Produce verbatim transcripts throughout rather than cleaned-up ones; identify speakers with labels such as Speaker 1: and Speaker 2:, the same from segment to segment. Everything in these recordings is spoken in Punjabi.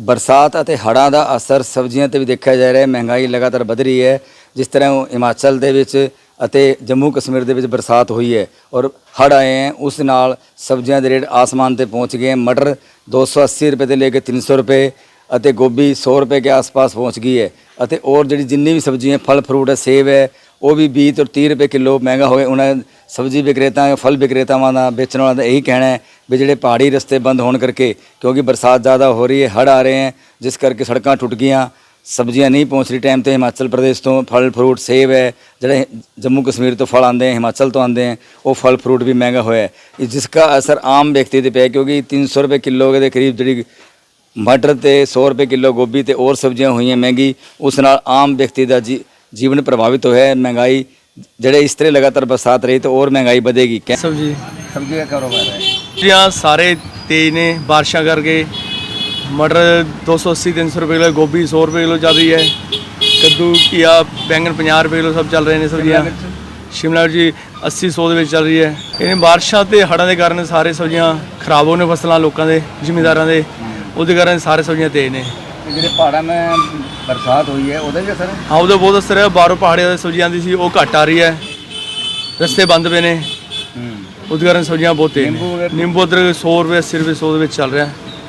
Speaker 1: बरसात ਅਤੇ ਹੜ੍ਹਾਂ ਦਾ ਅਸਰ ਸਬਜ਼ੀਆਂ ਤੇ ਵੀ ਦੇਖਿਆ ਜਾ ਰਿਹਾ ਹੈ। ਮਹਿੰਗਾਈ ਲਗਾਤਾਰ ਵਧ ਰਹੀ ਹੈ। ਜਿਸ ਤਰ੍ਹਾਂ ਹਿਮਾਚਲ ਦੇ ਵਿੱਚ ਅਤੇ ਜੰਮੂ ਕਸ਼ਮੀਰ ਦੇ ਵਿੱਚ ਬਰਸਾਤ ਹੋਈ ਹੈ ਔਰ ਹੜ੍ਹ ਆਏ हैं, ਉਸ ਨਾਲ ਸਬਜ਼ੀਆਂ ਦੇ ਰੇਟ आसमान ਤੇ पहुंच गए हैं। मटर दो सौ अस्सी रुपये ਤੋਂ ਲੈ ਕੇ तीन सौ रुपये ਅਤੇ गोभी सौ रुपये के आसपास पहुंच गई है। ਅਤੇ और ਜਿਹੜੀ ਜਿੰਨੀ ਵੀ ਸਬਜ਼ੀਆਂ फल फ्रूट है, सेब है, ਉਹ ਵੀ बीस ਤੋਂ तीस रुपये किलो महंगा हो गया। ਉਹਨਾਂ सब्जी विक्रेता फल विक्रेतावां ਦਾ बेचण वालों का यही कहना है भी ਜਿਹੜੇ पहाड़ी रस्ते बंद होने करके, क्योंकि बरसात ज़्यादा हो रही है, हड़ आ रहे हैं, जिस करके सड़कां टुट गईयां, सब्जियां नहीं पहुँच रही टाइम तो। हिमाचल प्रदेश तो फल फ्रूट सेब है, ਜਿਹੜੇ जम्मू कश्मीर तो फल आते हैं, हिमाचल तो आते हैं, वो फल फ्रूट भी महंगा होया है, जिसका असर आम व्यक्ति पर पिया। क्योंकि तीन सौ रुपये किलो के करीब जी मटर तो सौ रुपये किलो गोभी तो और सब्जियां हुई हैं महंगी, उस नाल आम व्यक्ति का जी जीवन प्रभावित होया है। महंगाई ਜਿਹੜੇ इस तरह लगातार बरसात रही तो और महंगाई बढ़ेगी। क्या
Speaker 2: सब्जी
Speaker 1: सब्जी का कारोबार है?
Speaker 2: यहाँ सारे तेज ने बारिशा करके। मटर दो सौ अस्सी तीन सौ रुपये किलो, गोभी सौ रुपये किलो चल रही है, कद्दू घिया बैंगन पचास रुपये किलो सब चल रहे हैं सब्जियाँ। शिमला मिर्च जी अस्सी सौ ਦੇ ਵਿੱਚ ਚੱਲ ਰਹੀ ਹੈ। ਇਹ ਬਾਰਿਸ਼ਾਂ ਤੇ ਹੜ੍ਹਾਂ ਦੇ ਕਾਰਨ ਸਾਰੇ ਸਬਜ਼ੀਆਂ ਖਰਾਬ ਹੋਣੇ, ਫਸਲਾਂ ਲੋਕਾਂ ਦੇ ਜ਼ਿਮੀਂਦਾਰਾਂ ਦੇ, ਉਹਦੇ ਕਾਰਨ ਸਾਰੇ ਸਬਜ਼ੀਆਂ ਤੇਜ਼ ਨੇ।
Speaker 1: ਜਿਹੜੇ ਪਹਾੜਾਂ में बरसात हुई है ਉਹਦਾ ਵੀ ਅਸਰ ਹੈ?
Speaker 2: ਹਾਂ, ਉਹਦਾ ਬਹੁਤ ਅਸਰ ਹੈ। ਬਾਹਰੋਂ ਪਹਾੜੀਆਂ ਦੀ ਸਬਜ਼ੀ ਆਉਂਦੀ ਸੀ, ਉਹ ਘੱਟ ਆ ਰਹੀ ਹੈ, ਰਸਤੇ ਬੰਦ ਪਏ ਨੇ, ਉਹਦੇ ਕਾਰਨ ਸਬਜ਼ੀਆਂ ਬਹੁਤ ਤੇਜ਼ ਨੇ। ਨਿੰਬੂ ਅਦਰਕ ਸੌ ਰੁਪਏ अस्सी ਰੁਪਏ ਸੌ ਦੇ ਵਿੱਚ ਚੱਲ ਰਿਹਾ।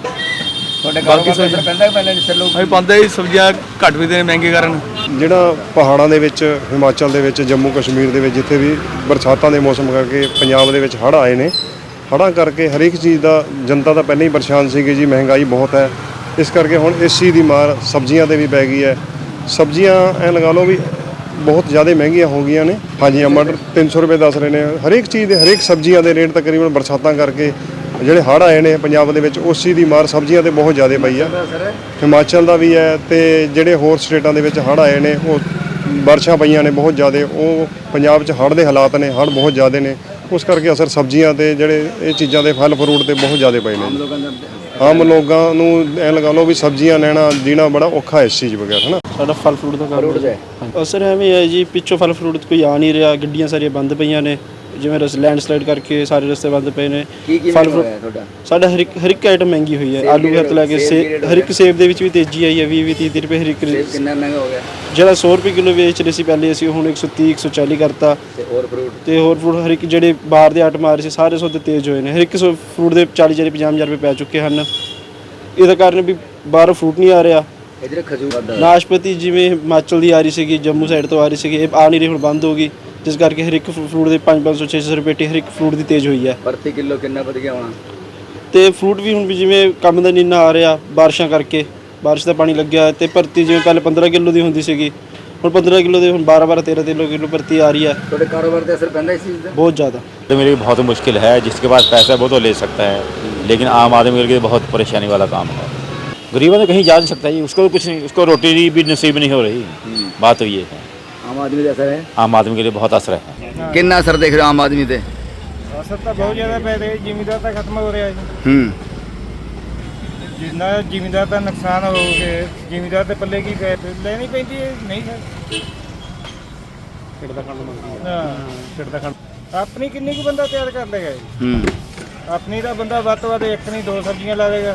Speaker 1: ਤੁਹਾਡੇ ਕਾਰੋਬਾਰ ਤੇ ਅਸਰ ਪੈਂਦਾ ਹੀ ਪੈਂਦਾ ਜਿਸ ਲੋਕ
Speaker 2: ਅਸੀਂ ਪਾਉਂਦੇ ਹੀ ਸਬਜ਼ੀਆਂ ਘੱਟ ਵੀ ਦੇ ਮਹਿੰਗੇ ਕਾਰਨ।
Speaker 3: ਜਿਹੜਾ ਪਹਾੜਾਂ ਦੇ ਵਿੱਚ, ਹਿਮਾਚਲ ਦੇ ਵਿੱਚ, ਜੰਮੂ ਕਸ਼ਮੀਰ ਦੇ ਵਿੱਚ ਜਿੱਥੇ ਵੀ ਬਰਸਾਤਾਂ ਦੇ ਮੌਸਮ ਕਰਕੇ ਪੰਜਾਬ ਦੇ ਵਿੱਚ ਹੜ੍ਹ ਆਏ ਨੇ, ਹੜ੍ਹਾਂ ਕਰਕੇ ਹਰੇਕ ਚੀਜ਼ ਦਾ ਜਨਤਾ ਤਾਂ ਪਹਿਲਾਂ ਹੀ ਪਰੇਸ਼ਾਨ ਸੀਗੀ ਜੀ। ਮਹਿੰਗਾਈ ਬਹੁਤ ਹੈ, ਇਸ ਕਰਕੇ ਹੁਣ ਇਸ ਚੀਜ਼ ਦੀ ਮਾਰ ਸਬਜ਼ੀਆਂ 'ਤੇ ਵੀ ਪੈ ਗਈ ਹੈ। ਸਬਜ਼ੀਆਂ ਐਂ ਲਗਾ ਲਓ ਵੀ ਬਹੁਤ ਜ਼ਿਆਦਾ ਮਹਿੰਗੀਆਂ ਹੋ ਗਈਆਂ ਨੇ। ਹਾਂਜੀ, ਮਟਰ ਤਿੰਨ ਸੌ ਰੁਪਏ ਦੱਸ ਰਹੇ ਨੇ। ਹਰੇਕ ਚੀਜ਼ ਦੇ, ਹਰੇਕ ਸਬਜ਼ੀਆਂ ਦੇ ਰੇਟ ਤਕਰੀਬਨ ਬਰਸਾਤਾਂ ਕਰਕੇ ਜਿਹੜੇ ਹੜ੍ਹ ਆਏ ਨੇ ਪੰਜਾਬ ਦੇ ਵਿੱਚ, ਉਸ ਚੀਜ਼ ਦੀ ਮਾਰ ਸਬਜ਼ੀਆਂ 'ਤੇ ਬਹੁਤ ਜ਼ਿਆਦਾ ਪਈ ਆ। ਹਿਮਾਚਲ ਦਾ ਵੀ ਹੈ ਅਤੇ ਜਿਹੜੇ ਹੋਰ ਸਟੇਟਾਂ ਦੇ ਵਿੱਚ ਹੜ੍ਹ ਆਏ ਨੇ, ਉਹ ਬਾਰਿਸ਼ਾਂ ਪਈਆਂ ਨੇ ਬਹੁਤ ਜ਼ਿਆਦਾ, ਉਹ ਪੰਜਾਬ 'ਚ ਹੜ੍ਹ ਦੇ ਹਾਲਾਤ ਨੇ, ਹੜ੍ਹ ਬਹੁਤ ਜ਼ਿਆਦਾ ਨੇ, ਉਸ ਕਰਕੇ ਅਸਰ ਸਬਜ਼ੀਆਂ 'ਤੇ, ਜਿਹੜੇ ਇਹ ਚੀਜ਼ਾਂ ਦੇ ਫਲ ਫਰੂਟ 'ਤੇ ਬਹੁਤ ਜ਼ਿਆਦਾ ਪਏ ਨੇ। ਆਮ ਲੋਕਾਂ ਨੂੰ ਐਂ ਲਗਾ ਲਓ ਵੀ ਸਬਜ਼ੀਆਂ ਲੈਣਾ ਜੀਣਾ ਬੜਾ ਔਖਾ ਇਸ ਚੀਜ਼ ਬਗੈਰ, ਹੈ ਨਾ।
Speaker 4: ਸਾਡਾ ਫਲ ਫਰੂਟ ਦਾ ਕੰਮ ਅਸਰ ਐਵੇਂ ਹੈ ਜੀ, ਪਿੱਛੋਂ ਫਲ ਫਰੂਟ ਕੋਈ ਆ ਨਹੀਂ ਰਿਹਾ, ਗੱਡੀਆਂ ਸਾਰੀਆਂ ਬੰਦ ਪਈਆਂ ਨੇ, ਜਿਵੇਂ ਰਸ ਲੈਂਡਸਲਾਈਡ ਕਰਕੇ ਸਾਰੇ ਰਸਤੇ ਬੰਦ ਪਏ ਨੇ। ਫਲ ਫਰੂਟ ਸਾਡਾ ਹਰ ਇੱਕ ਹਰ ਇੱਕ ਆਈਟਮ ਮਹਿੰਗੀ ਹੋਈ ਹੈ। ਆਲੂ ਘਰ ਤੋਂ ਲੈ ਕੇ ਸੇਬ, ਹਰ ਇੱਕ ਸੇਬ ਦੇ ਵਿੱਚ ਵੀ ਤੇਜ਼ੀ ਆਈ ਹੈ। ਵੀਹ ਵੀਹ ਤੀਹ ਤੀਹ ਰੁਪਏ ਹਰ ਇੱਕ।
Speaker 1: ਕਿੰਨਾ ਮਹਿੰਗਾ ਹੋ ਗਿਆ?
Speaker 4: ਜਿਹੜਾ ਸੌ ਰੁਪਏ ਕਿਲੋ ਵੇਚ ਰਹੇ ਸੀ ਪਹਿਲੇ, ਅਸੀਂ ਹੁਣ ਇੱਕ ਸੌ ਤੀਹ ਇੱਕ ਸੌ ਚਾਲੀ ਕਰਤਾ।
Speaker 1: ਤੇ ਹੋਰ ਫਰੂਟ
Speaker 4: ਤੇ ਹੋਰ ਫਰੂਟ ਹਰ ਇੱਕ ਜਿਹੜੇ ਬਾਹਰ ਦੇ ਆਈਟਮ ਆ ਰਹੇ ਸੀ, ਸਾਰੇ ਸੌਦੇ ਤੇਜ਼ ਹੋਏ ਨੇ। ਹਰ ਇੱਕ ਫਰੂਟ ਦੇ ਚਾਲੀ ਚਾਲੀ ਪੰਜਾਹ ਹਜ਼ਾਰ ਰੁਪਏ ਪੈ ਚੁੱਕੇ ਹਨ। ਇਹਦਾ ਕਾਰਨ ਵੀ ਬਾਹਰੋਂ ਫਰੂਟ ਨਹੀਂ ਆ ਰਿਹਾ।
Speaker 1: ਇਧਰ ਖਜੂਰ
Speaker 4: ਨਾਸ਼ਪਤੀ ਜਿਵੇਂ ਹਿਮਾਚਲ ਦੀ ਆ ਰਹੀ ਸੀਗੀ, ਜੰਮੂ ਸਾਈਡ ਤੋਂ ਆ ਰਹੀ ਸੀਗੀ, ਇਹ ਆ ਨਹੀਂ ਰਹੀ, ਹੁਣ ਬੰਦ ਹੋ ਗਈ, ਜਿਸ ਕਰਕੇ ਹਰ ਇੱਕ ਫਰੂਟ ਦੇ ਪੰਜ ਪੰਜ ਸੌ ਛੇ ਸੌ ਰੁਪਏ ਹਰ ਇੱਕ ਫਰੂਟ ਦੀ ਤੇਜ਼ ਹੋਈ ਹੈ।
Speaker 1: ਪ੍ਰਤੀ ਕਿਲੋ ਕਿੰਨਾ ਵਧ ਗਿਆ ਹੋਣਾ?
Speaker 4: ਤੇ ਫਰੂਟ ਵੀ ਹੁਣ ਵੀ ਜਿਵੇਂ ਕੰਮ ਦਾ ਨੀਨਾ ਆ ਰਿਹਾ, ਬਾਰਿਸ਼ਾਂ ਕਰਕੇ, ਬਾਰਿਸ਼ ਦਾ ਪਾਣੀ ਲੱਗਿਆ, ਤੇ ਭਰਤੀ ਜਿਵੇਂ ਪਹਿਲੇ ਪੰਦਰਾਂ ਕਿਲੋ ਦੀ ਹੁੰਦੀ ਸੀਗੀ, ਹੁਣ ਪੰਦਰਾਂ किलो ਦੇ ਹੁਣ बारह बारह तेरह तेरह किलो भर्ती आ रही है।
Speaker 1: ਤੁਹਾਡੇ ਕਾਰੋਬਾਰ ਤੇ ਅਸਰ ਪੈਂਦਾ ਇਸ ਚੀਜ਼ ਦਾ?
Speaker 4: बहुत ज़्यादा।
Speaker 5: तो मेरे लिए बहुत मुश्किल है, जिसके पास पैसा है वो तो ले सकता है, लेकिन आम आदमी के लिए बहुत परेशानी वाला काम है। गरीबों तो कहीं जा नहीं सकता जी, उसको कुछ नहीं, उसको रोटी भी नसीब नहीं हो रही। बात तो ये है,
Speaker 1: ਆਮ ਆਦਮੀ ਦਾ ਅਸਰ ਹੈ?
Speaker 5: आम आदमी के लिए बहुत असर है।
Speaker 1: ਕਿੰਨਾ ਅਸਰ ਦੇਖ ਰਹੇ ਹੋ ਆਮ ਆਦਮੀ ਤੇ?
Speaker 6: ਅਸਰ ਤਾਂ ਬਹੁਤ ਜ਼ਿਆਦਾ ਪੈ ਰਿਹਾ। ਜ਼ਿਮੀਂਦਾਰ ਤਾਂ ਖਤਮ ਹੋ ਰਿਹਾ ਜੀ।
Speaker 1: ਹੂੰ,
Speaker 6: ਜਿੰਨਾ ਜ਼ਿਮੀਂਦਾਰ ਦਾ ਨੁਕਸਾਨ ਹੋ ਗਿਆ, ਜ਼ਿਮੀਂਦਾਰ ਦੇ ਪੱਲੇ ਕੀ ਪੈ ਲੈਣੀ ਪੈਂਦੀ ਹੈ? ਨਹੀਂ ਸਰ,
Speaker 4: ਢਿੱਡ ਦਾ ਖਾਣਾ ਮੰਗਦੀ
Speaker 6: ਹਾਂ, ਢਿੱਡ ਦਾ ਖਾਣਾ। ਆਪਣੀ ਕਿੰਨੀ ਕੁ ਬੰਦਾ ਤਿਆਰ ਕਰ ਲੇਗਾ ਜੀ?
Speaker 1: ਹੂੰ,
Speaker 6: ਆਪਣੀ ਦਾ ਬੰਦਾ ਵੱਧ ਤੋਂ ਵੱਧ ਇੱਕ ਨਹੀਂ ਦੋ ਸਬਜ਼ੀਆਂ ਲਾਵੇਗਾ।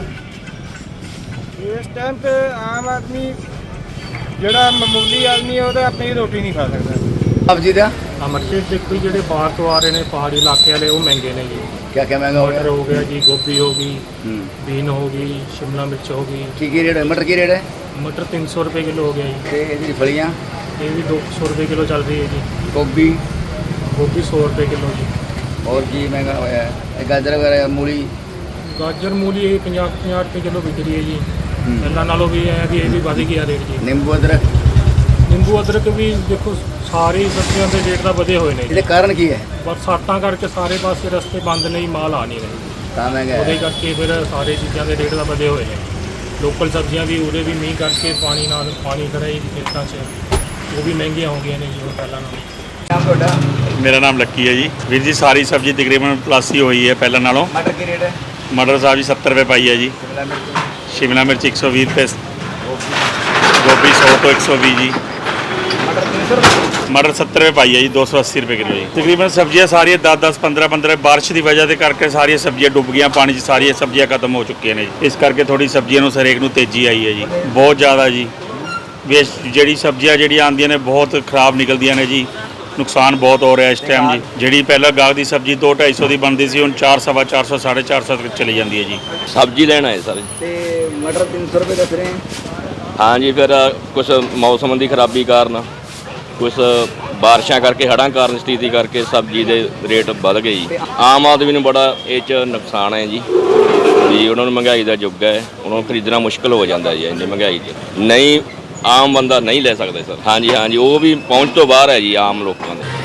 Speaker 6: ਇਸ ਟਾਈਮ ਤੇ ਆਮ ਆਦਮੀ ਜਿਹੜਾ ਮਾਮੂਲੀ ਆਦਮੀ ਹੈ, ਉਹ ਤਾਂ ਆਪਣੀ ਰੋਟੀ ਨਹੀਂ ਖਾ ਸਕਦਾ।
Speaker 1: ਸਬਜ਼ੀ ਦਾ
Speaker 7: ਮਰਚੇ ਦੇਖੋ ਜਿਹੜੇ ਬਾਹਰ ਤੋਂ ਆ ਰਹੇ ਨੇ, ਪਹਾੜੀ ਇਲਾਕੇ ਵਾਲੇ, ਉਹ ਮਹਿੰਗੇ ਨੇ ਜੀ।
Speaker 1: ਕਿਆ ਕਿਆ ਮਹਿੰਗਾ ਹੋ ਗਿਆ?
Speaker 7: ਮਟਰ ਹੋ ਗਿਆ ਜੀ, ਗੋਭੀ ਹੋ ਗਈ,
Speaker 1: ਹੂੰ,
Speaker 7: ਬੀਨ ਹੋ ਗਈ, ਸ਼ਿਮਲਾ ਮਿਰਚ ਹੋ ਗਈ।
Speaker 1: ਕੀ ਕੀ ਰੇਟ ਹੈ? ਮਟਰ ਕੀ ਰੇਟ ਹੈ?
Speaker 7: ਮਟਰ ਤਿੰਨ ਸੌ ਰੁਪਏ ਕਿਲੋ ਹੋ ਗਿਆ ਜੀ।
Speaker 1: ਤੇ ਇਹਦੀ ਫਲੀਆਂ?
Speaker 7: ਇਹ ਵੀ ਦੋ ਸੌ ਰੁਪਏ ਕਿਲੋ ਚੱਲ ਰਹੀ ਹੈ ਜੀ।
Speaker 1: ਗੋਭੀ?
Speaker 7: ਗੋਭੀ ਸੌ ਰੁਪਏ ਕਿਲੋ ਜੀ।
Speaker 1: ਹੋਰ ਕੀ ਮਹਿੰਗਾ ਹੋਇਆ ਹੈ? ਇਹ ਗਾਜਰ ਵਗੈਰਾ, ਮੂਲੀ?
Speaker 7: ਗਾਜਰ ਮੂਲੀ ਇਹ ਪੰਜਾਹ ਪੰਜਾਹ ਰੁਪਏ ਕਿਲੋ ਵਿਕ ਰਹੀ ਹੈ ਜੀ। ਪਹਿਲਾਂ ਨਾਲੋਂ ਵੀ ਹੈ ਵੀ ਇਹ ਵੀ ਵਧ ਗਿਆ ਰੇਟ ਜੀ।
Speaker 1: ਨਿੰਬੂ ਅਦਰਕ?
Speaker 7: ਨਿੰਬੂ ਅਦਰਕ ਵੀ ਦੇਖੋ ਸਾਰੀ ਸਬਜ਼ੀਆਂ ਦੇ ਰੇਟ ਤਾਂ ਵਧੇ ਹੋਏ ਨੇ ਜੀ।
Speaker 1: ਇਹਦੇ ਕਾਰਨ ਕੀ ਹੈ?
Speaker 7: ਬਰਸਾਤਾਂ ਕਰਕੇ ਸਾਰੇ ਪਾਸੇ ਰਸਤੇ ਬੰਦ ਨੇ, ਮਾਲ ਆ ਨਹੀਂ ਰਹੇ,
Speaker 1: ਤਾਂ ਮਹਿੰਗਾ
Speaker 7: ਉਹਦੇ
Speaker 1: ਹੈ।
Speaker 7: ਕਰਕੇ ਫਿਰ ਸਾਰੇ ਚੀਜ਼ਾਂ ਦੇ ਰੇਟ ਤਾਂ ਵਧੇ ਹੋਏ ਨੇ। ਲੋਕਲ ਸਬਜ਼ੀਆਂ ਵੀ ਉਰੇ ਵੀ ਮੀਂਹ ਕਰਕੇ ਪਾਣੀ ਨਾਲ ਪਾਣੀ ਖੜਾ ਜੀ ਖੇਤਾਂ 'ਚ, ਉਹ ਵੀ ਮਹਿੰਗੀਆਂ ਹੋ ਗਈਆਂ ਨੇ ਜੀ ਹੁਣ ਪਹਿਲਾਂ ਨਾਲੋਂ।
Speaker 1: ਨਾਮ ਤੁਹਾਡਾ?
Speaker 8: ਮੇਰਾ ਨਾਮ ਲੱਕੀ ਹੈ ਜੀ। ਵੀਰ ਜੀ ਸਾਰੀ ਸਬਜ਼ੀ ਤਕਰੀਬਨ ਪਲੱਸ ਹੀ ਹੋਈ ਹੈ ਪਹਿਲਾਂ ਨਾਲੋਂ।
Speaker 1: ਮਟਰ ਕੀ ਰੇਟ ਹੈ?
Speaker 8: ਮਟਰ ਸਾਹਿਬ ਜੀ ਸੱਤਰ ਰੁਪਏ ਪਾਈ ਹੈ ਜੀ।
Speaker 1: ਸ਼ਿਮਲਾ ਮਿਰਚ?
Speaker 8: ਸ਼ਿਮਲਾ ਮਿਰਚ ਇੱਕ ਸੌ ਵੀਹ ਰੁਪਏ, ਗੋਭੀ ਸੌ ਤੋਂ ਇੱਕ ਸੌ ਵੀਹ ਜੀ। मटर सत्तर रुपये पाई है जी, दो सौ अस्सी रुपये किलो जी। तकरीबन सब्जियां सारी दस दस पंद्रह पंद्रह बारिश की वजह से करके सारी सब्जियां डुब गई, पानी 'ਚ सारी सब्जियां खत्म हो चुकी हैं जी। इस करके थोड़ी सब्जियां ਨੂੰ ਹਰੇਕ ਨੂੰ तेजी आई है जी, बहुत ज़्यादा जी। वेस्ट ਜਿਹੜੀ ਸਬਜ਼ੀਆਂ ਜਿਹੜੀਆਂ ਆਉਂਦੀਆਂ ਨੇ ਬਹੁਤ ਖਰਾਬ ਨਿਕਲਦੀਆਂ ਨੇ ਜੀ, ਨੁਕਸਾਨ ਬਹੁਤ ਹੋ ਰਿਹਾ ਇਸ ਟਾਈਮ ਜੀ। ਜਿਹੜੀ ਪਹਿਲਾਂ ਗਾਹ ਦੀ ਸਬਜ਼ੀ ਦੋ ਢਾਈ ਸੌ ਦੀ ਬਣਦੀ ਸੀ, ਹੁਣ ਚਾਰ ਸਵਾ ਚਾਰ ਸੌ ਸਾਢੇ ਚਾਰ ਸੌ ਤੱਕ ਚਲੀ ਜਾਂਦੀ ਹੈ ਜੀ।
Speaker 9: ਸਬਜ਼ੀ ਲੈਣਾ ਹੈ ਸਰ।
Speaker 1: ਤੇ ਮਟਰ ਤਿੰਨ ਸੌ ਰੁਪਏ ਦੱਸ ਰਹੇ ਹੈ।
Speaker 9: ਹਾਂਜੀ, ਫਿਰ ਕੁਝ ਮੌਸਮ ਦੀ ਖਰਾਬੀ ਕਾਰਨ, ਕੁਝ ਬਾਰਿਸ਼ਾਂ ਕਰਕੇ, ਹੜ੍ਹਾਂ ਕਾਰਨ, ਸਥਿਤੀ ਕਰਕੇ ਸਬਜ਼ੀ ਦੇ ਰੇਟ ਵੱਧ ਗਏ ਜੀ। ਆਮ ਆਦਮੀ ਨੂੰ ਬੜਾ ਇਹ 'ਚ ਨੁਕਸਾਨ ਹੈ ਜੀ, ਵੀ ਉਹਨਾਂ ਨੂੰ ਮਹਿੰਗਾਈ ਦਾ ਯੁੱਗ ਹੈ, ਉਹਨਾਂ ਨੂੰ ਖਰੀਦਣਾ ਮੁਸ਼ਕਲ ਹੋ ਜਾਂਦਾ ਜੀ ਇੰਨੀ ਮਹਿੰਗਾਈ 'ਚ। ਨਹੀਂ, ਆਮ ਬੰਦਾ ਨਹੀਂ ਲੈ ਸਕਦਾ ਸਰ। ਹਾਂਜੀ ਹਾਂਜੀ, ਉਹ ਵੀ ਪਹੁੰਚ ਤੋਂ ਬਾਹਰ ਹੈ ਜੀ ਆਮ ਲੋਕਾਂ ਦੇ।